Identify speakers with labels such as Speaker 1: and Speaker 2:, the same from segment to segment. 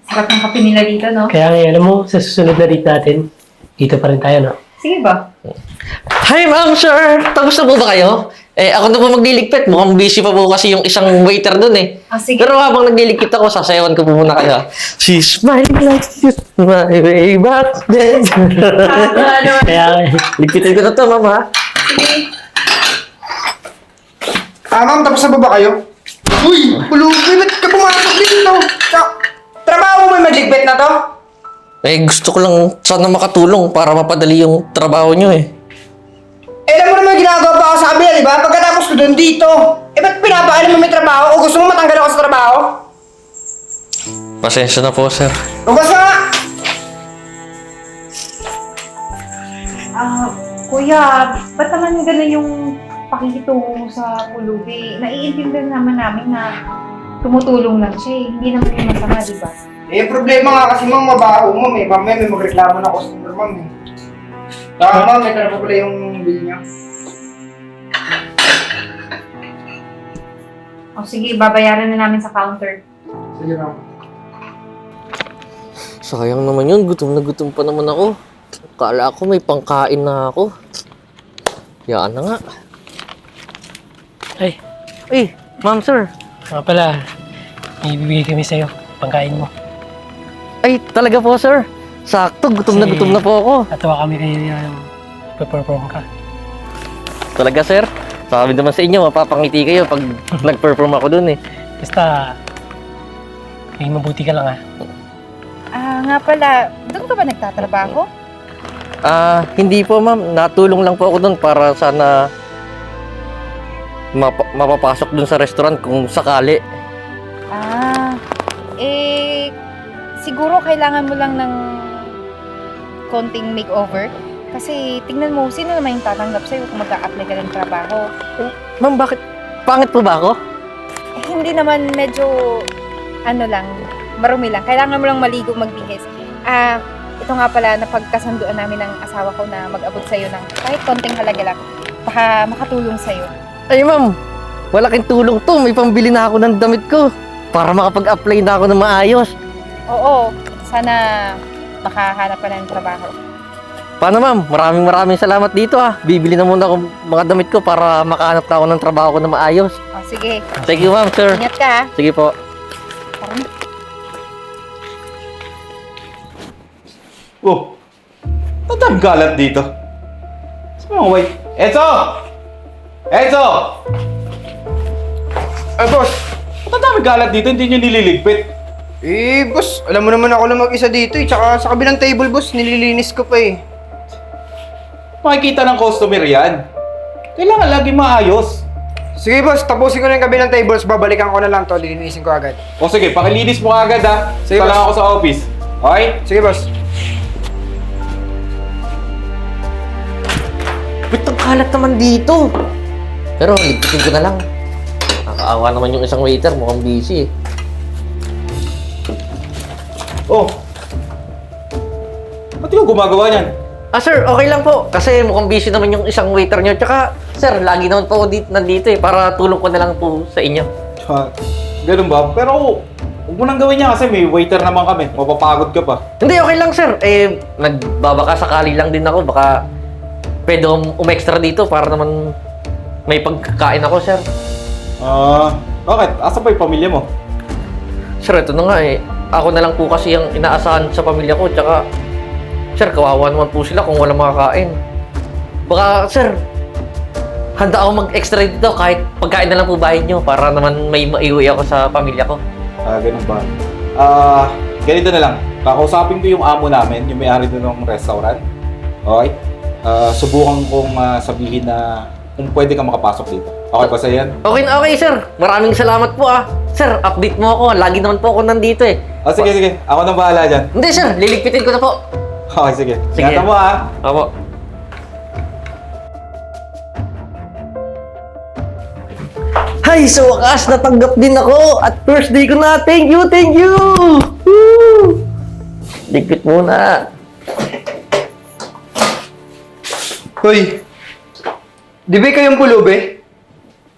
Speaker 1: Sarap ng kape nila dito, no?
Speaker 2: Kaya nga, alam mo, sa susunod na date natin, dito pa rin tayo, no?
Speaker 1: Sige ba?
Speaker 3: Hi, ma'am, sir! Tapos na po ba kayo? Ako na po magliligpit. Mukhang busy pa po kasi yung isang waiter dun eh.
Speaker 1: Sige.
Speaker 3: Pero habang nagliligpit ako, sasayawan ko po muna kayo. She's smiling like she's my way back then.
Speaker 2: Kaya,
Speaker 3: Ligpitin ko na to, ma'am, ha?
Speaker 1: Sige.
Speaker 4: Ma'am, tapos na ba kayo? Uy, pulubi, ba't ka pumasok dito? Trabaho mo magligpit na to?
Speaker 3: Gusto ko lang sana makatulong para mapadali yung trabaho nyo eh.
Speaker 4: Alam mo naman ginagawa pa ako sa kabila, di ba? Pagkatapos ko doon dito. Ba't pinapaalam mo may trabaho? O gusto mo matanggal ako sa trabaho?
Speaker 3: Pasensya na po, sir.
Speaker 4: Lugas na nga!
Speaker 1: Kuya, ba't naman ganun yung pakikitungo mo sa pulubi? Naiintindihan naman namin na tumutulong lang siya eh. Hindi naman yung masama, di ba?
Speaker 4: Problema nga kasi ma'am, mabaho mo. Mamaya may magreklamo na customer ma'am eh. Ma'am, may tara pa pala yung bill niya.
Speaker 1: O sige, babayaran na namin sa counter.
Speaker 4: Sige ma'am.
Speaker 3: Sayang naman yun. Gutom na gutom pa naman ako. Kala ko may pangkain na ako. Yaan na nga.
Speaker 2: ay,
Speaker 3: Ma'am, sir.
Speaker 2: nga pala, may ibibigay kami sa'yo, pangkain mo.
Speaker 3: Ay, talaga po, sir. Sakto, gutom na po ako.
Speaker 2: Natawa kami kayo yung perform ka.
Speaker 3: Talaga, sir. Sabi naman sa inyo, mapapangiti kayo pag nag-perform ako dun eh.
Speaker 2: Basta, may mabuti ka lang, ha?
Speaker 1: Nga pala, doon ka ba nagtatrabaho?
Speaker 3: Hindi po, ma'am. Natulong lang po ako dun para sana mapapasok dun sa restaurant kung sakali.
Speaker 1: Siguro kailangan mo lang ng konting makeover. Kasi tingnan mo, sino naman yung tatanggap sa'yo kung mag-a-apply ka ng trabaho?
Speaker 3: Ma'am, bakit? Pangit po ba ako?
Speaker 1: Hindi naman medyo, marumi lang. Kailangan mo lang maligo, magbihis. Ito nga pala, napagkasunduan namin ng asawa ko na mag-abot sa'yo ng kahit konting halaga lang. Baka makatulong sa'yo.
Speaker 3: Ay, ma'am. Malaking tulong to. May pambili na ako ng damit ko. Para makapag-apply na ako ng maayos.
Speaker 1: Oo, sana makahanap ka na ng trabaho.
Speaker 3: Paano, ma'am? Maraming salamat dito, ha. Bibili na muna ako mga damit ko para makahanap na ako ng trabaho ko na maayos.
Speaker 1: Sige.
Speaker 3: Thank you, ma'am, sir.
Speaker 1: Ingat ka, ha?
Speaker 3: Sige po.
Speaker 1: Tara na.
Speaker 5: Oh, ang galat dito. Saan mga wait? Enzo! Enzo!
Speaker 4: Boss.
Speaker 5: Ba't ang dami galat dito? Hindi nyo nililigpit.
Speaker 4: Boss, alam mo naman ako lang mag-isa dito eh. Tsaka sa kabilang table, boss, nililinis ko pa eh.
Speaker 5: Makikita ng customer yan. Kailangan lagi maayos.
Speaker 4: Sige, boss, tapusin ko na yung kabilang tables. Babalikan ko na lang to. Lilinisin ko agad.
Speaker 5: O sige, pakilinis mo agad ha.
Speaker 4: Sige,
Speaker 5: Sige,
Speaker 4: boss.
Speaker 5: ako sa office. Okay?
Speaker 4: Sige, boss.
Speaker 3: Ba't ang kalat naman dito? Pero ligpitin ko na lang. Nakakaawa naman yung isang waiter. Mukhang busy eh.
Speaker 5: Oh. Ba't yung gumagawa niyan?
Speaker 3: Sir, okay lang po. Kasi mukhang busy naman yung isang waiter nyo. Tsaka, sir, lagi naman po ako nandito eh. Para tulong ko na lang po sa inyo.
Speaker 5: Ganun ba? Pero huwag mo nang gawin niya kasi may waiter naman kami. Mapapagod ka pa.
Speaker 3: Hindi, okay lang, sir. Nagbabaka sakali lang din ako. Baka pwede akong umextra dito para naman may pagkain ako, sir.
Speaker 5: Bakit? Asa pa yung pamilya mo?
Speaker 3: Sir, ito na nga eh. Ako na lang po kasi ang inaasahan sa pamilya ko. Tsaka, sir, kawawa naman po sila kung walang makakain. Baka, sir, handa ako mag-extra dito kahit pagkain na lang po bahay nyo para naman may maiuwi ako sa pamilya ko.
Speaker 5: Ganun ba? Ganito na lang. Kakausapin ko yung amo namin, yung may-ari doon ng restaurant. Okay? Subukan kong sabihin na kung pwede ka makapasok dito. Okay ba sa yan?
Speaker 3: Okay, sir. Maraming salamat po ah. Sir, update mo ako. Lagi naman po ako nandito eh.
Speaker 5: Sige. Ako nang bahala dyan.
Speaker 3: Hindi, sir. Liligpitin ko na po.
Speaker 5: Okay, sige.
Speaker 3: Sige.
Speaker 5: Ingatan mo ha.
Speaker 3: Opo. Hay, sa wakas, natanggap din ako. At first day ko na. Thank you! Woo! Ligpit muna.
Speaker 4: Hoy, di ba kayong pulubi?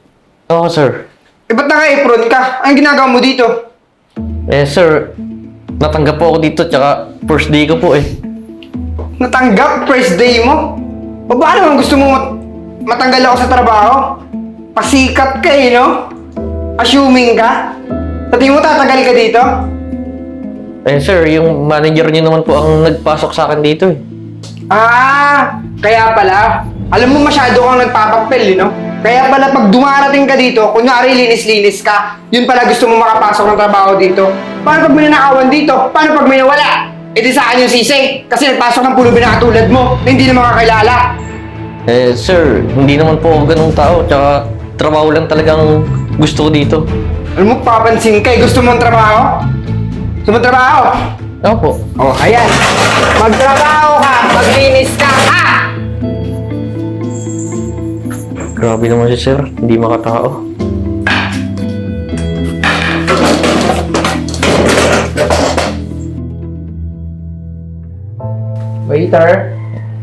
Speaker 3: Oo, sir.
Speaker 4: Ba't naka-apron ka? Anong ginagawa mo dito?
Speaker 3: Sir, natanggap po ako dito, tsaka first day ko po eh.
Speaker 4: Natanggap first day mo? O baka naman gusto mo matanggal ako sa trabaho? Pasikat ka eh, no? Assuming ka? Sa tingin mo tatagal ka dito?
Speaker 3: Eh sir, yung manager niyo naman po ang nagpasok sa akin dito eh.
Speaker 4: Ah, kaya pala. Alam mo masyado kang nagpapapel, no? Kaya pala pag dumarating ka dito, kunyari linis-linis ka, yun pala gusto mo makapasok ng trabaho dito. Paano pag may nanakawan dito? Paano pag may nawala? E di sa akin yung sisi. Kasi nagpasok ng pulubi na katulad mo na hindi na makakilala.
Speaker 3: Eh sir, hindi naman po ako ganung tao, tsaka trabaho lang talagang gusto ko dito.
Speaker 4: Alam mo, papansin ka eh. Gusto mo ng trabaho? Gusto mo ng trabaho?
Speaker 3: Opo.
Speaker 4: Oh, ayan. Magtrabaho ka, maglinis ka, ha?
Speaker 3: Grabe naman si sir, hindi makatao.
Speaker 4: Waiter,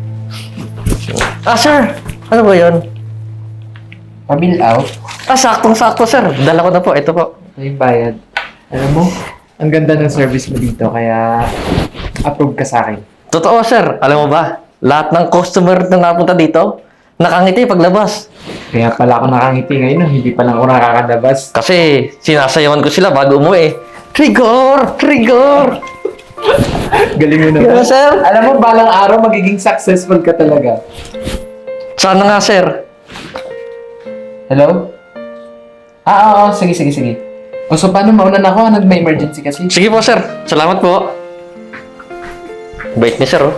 Speaker 3: Ah sir, ano ba yun?
Speaker 6: Pabill out.
Speaker 3: Ah, saktong-sakto sir. Dala ko na po, ito po.
Speaker 6: May bayad. Alam mo, ang ganda ng service mo dito, kaya approve ka sa akin.
Speaker 3: Totoo sir, alam mo ba? Lahat ng customer na napunta dito, nakangiti paglabas.
Speaker 6: Kaya pala ako nakangiti ngayon, hindi pa lang ako nakakadabas.
Speaker 3: Kasi sinasayawan ko sila bago umuwi. Trigger! Trigger!
Speaker 6: Galing mo
Speaker 3: Diba,
Speaker 6: naman.
Speaker 3: sir?
Speaker 6: Alam mo, balang araw magiging successful ka talaga.
Speaker 3: Sana nga sir.
Speaker 6: Hello? Oo, sige. O so, paano mauna na ako? May emergency kasi.
Speaker 3: Sige po sir, salamat po. Bait ni sir oh.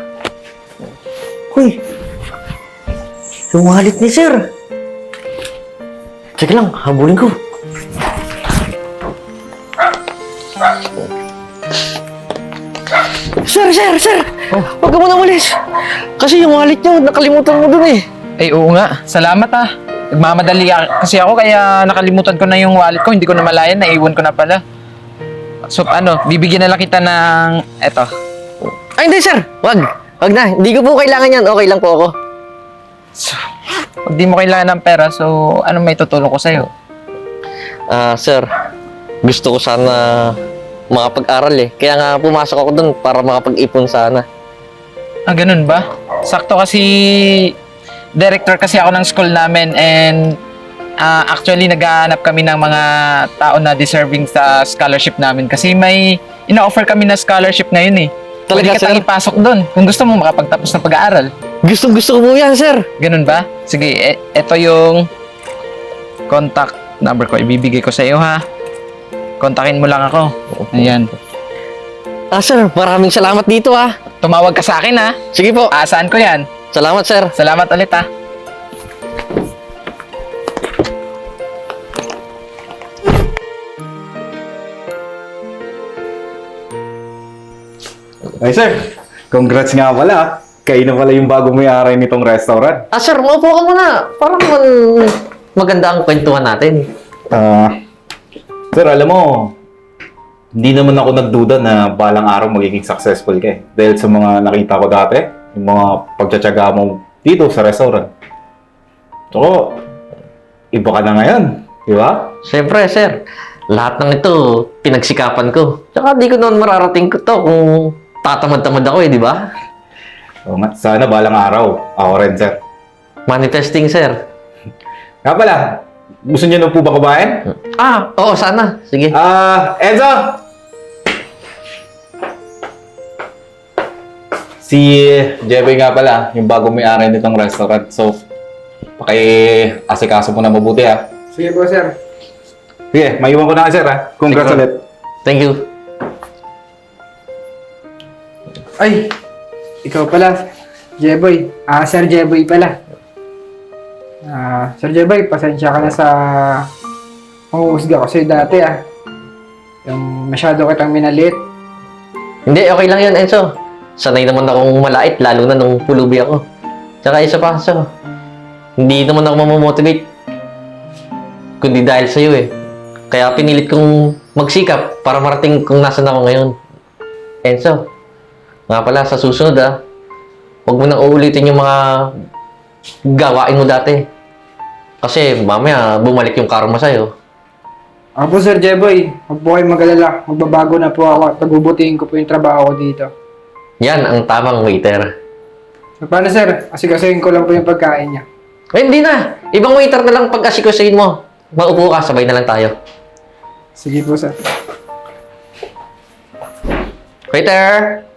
Speaker 3: Uy! Yung wallet ni sir. Sige lang, habulin ko. Sir! Huwag ka muna umalis. Kasi yung wallet niyo, nakalimutan mo dun eh.
Speaker 7: Ay, oo nga. Salamat ah. Nagmamadali kasi ako kaya nakalimutan ko na yung wallet ko. Hindi ko na malayan. Naiwan ko na pala. So, bibigyan na lang kita ng... Eto.
Speaker 3: Ay, hindi sir. Wag na. Hindi ko po kailangan yan. Okay lang po ako.
Speaker 7: Pag di mo kailangan ng pera, so ano may tutulong ko sa'yo?
Speaker 3: Sir. Gusto ko sana makapag-aral eh. Kaya nga pumasok ako dun para makapag-ipon sana.
Speaker 7: Ah, ganun ba? Sakto kasi director kasi ako ng school namin and actually naghahanap kami ng mga tao na deserving sa scholarship namin kasi may ina-offer kami na scholarship ngayon eh. Pwede
Speaker 3: Talaga,
Speaker 7: ka tang
Speaker 3: sir?
Speaker 7: ipasok doon kung gusto mo makapagtapos ng pag-aaral.
Speaker 3: Gusto ko po yan, sir.
Speaker 7: Ganun ba? Sige, eto yung contact number ko. Ibibigay ko sa iyo ha. Kontakin mo lang ako. Ayan.
Speaker 3: Sir. Maraming salamat dito ah.
Speaker 7: Tumawag ka sa akin ha.
Speaker 3: Sige po.
Speaker 7: Aasaan ko yan.
Speaker 3: Salamat, sir.
Speaker 7: Salamat ulit ha.
Speaker 5: Ay sir, congrats nga pala. Kayo na pala yung bago may-ari nitong restaurant.
Speaker 3: Sir, maupo ka muna. Para naman maganda ang kwentuhan natin.
Speaker 5: Sir, alam mo, hindi naman ako nagduda na balang araw magiging successful ka eh. Dahil sa mga nakita ko dati, yung mga pagtsatsaga mo dito sa restaurant. So, iba ka na ngayon, di ba?
Speaker 3: Siyempre, sir. Lahat ng ito, pinagsikapan ko. Tsaka di ko naman mararating ko to kung tatamad-tamad ako eh, di ba?
Speaker 5: Oo nga, sana balang araw. Ako rin, sir.
Speaker 3: Money testing, sir.
Speaker 5: Nga pala, gusto niyo na po ba kumain?
Speaker 3: Oo, sana. Sige.
Speaker 5: Enzo! Si Jeboy nga pala, yung bago may-ari nitong restaurant. So, paki-asikaso mo na mabuti ha.
Speaker 4: Sige po, sir.
Speaker 5: Sige, maiwan ko na ka, sir ha. Congrats
Speaker 3: Sige.
Speaker 5: ulit.
Speaker 3: Thank you.
Speaker 4: Ay, ikaw pala. Jeboy. Sir Jeboy pala. Sir Jeboy, pasensya ka na sa panguhusga ko sa'yo dati Yung masyado kitang minalit.
Speaker 3: Hindi, okay lang yan, Enzo. Sanay naman akong malait, lalo na nung pulubi ako. Tsaka isa pa, so, hindi naman ako mamomotivate. Kundi dahil sa'yo eh. Kaya pinilit kong magsikap para marating kung nasan ako ngayon. Enzo, nga pala, sa susunod huwag mo nang uulitin yung mga gawain mo dati. Kasi mamaya bumalik yung karma sa'yo.
Speaker 4: Ako po, Sir Jeboy. Huwag po kayong mag-alala. Magbabago na po ako at pagbubutihin ko po yung trabaho ko dito.
Speaker 3: Yan ang tamang waiter.
Speaker 4: So, paano, sir? Asikasuhin ko lang po yung pagkain niya.
Speaker 3: Eh, hindi na. Ibang waiter na lang pag-asikusahin mo. Maupo ka, sabay na lang tayo.
Speaker 4: Sige po, sir.
Speaker 3: Waiter!